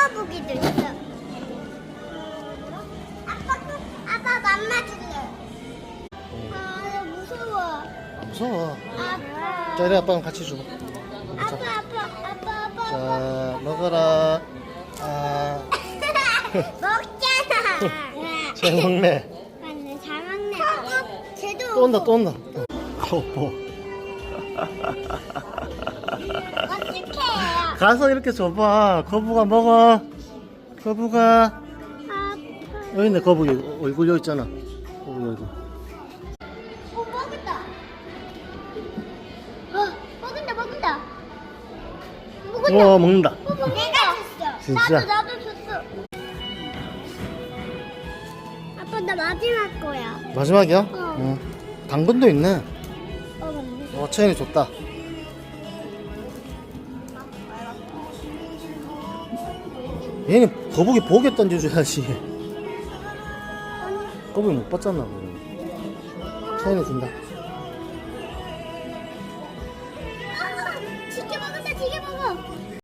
거북이도 있어. 아빠 맘마 줄래? 나 무서워. 안 무서워. 아빠. 자, 이리 아빠랑 같이 주고. 아빠. 자, 먹어라. 아, 먹잖아. 잘 먹네. 맞네, 잘 먹네. 쟤도 또 온다, 또 온다. 거보. 어떡해. 가서 이렇게 줘봐. 거북아 먹어. 거북아. 아빠. 여기 있네, 거북이. 얼굴 여기 있잖아. 거북이 얼굴. 먹었다. 먹는다. 우와, 먹는다. 내가 줬어. 진짜? 나도 줬어. 아빠 나 마지막 거야. 마지막이야? 어. 응. 당근도 있네. 맞네. 채연이 줬다. 얘는 거북이 보게 던져줘야지. 거북이 못 봤잖아. 채연이 준다. 지게 먹어.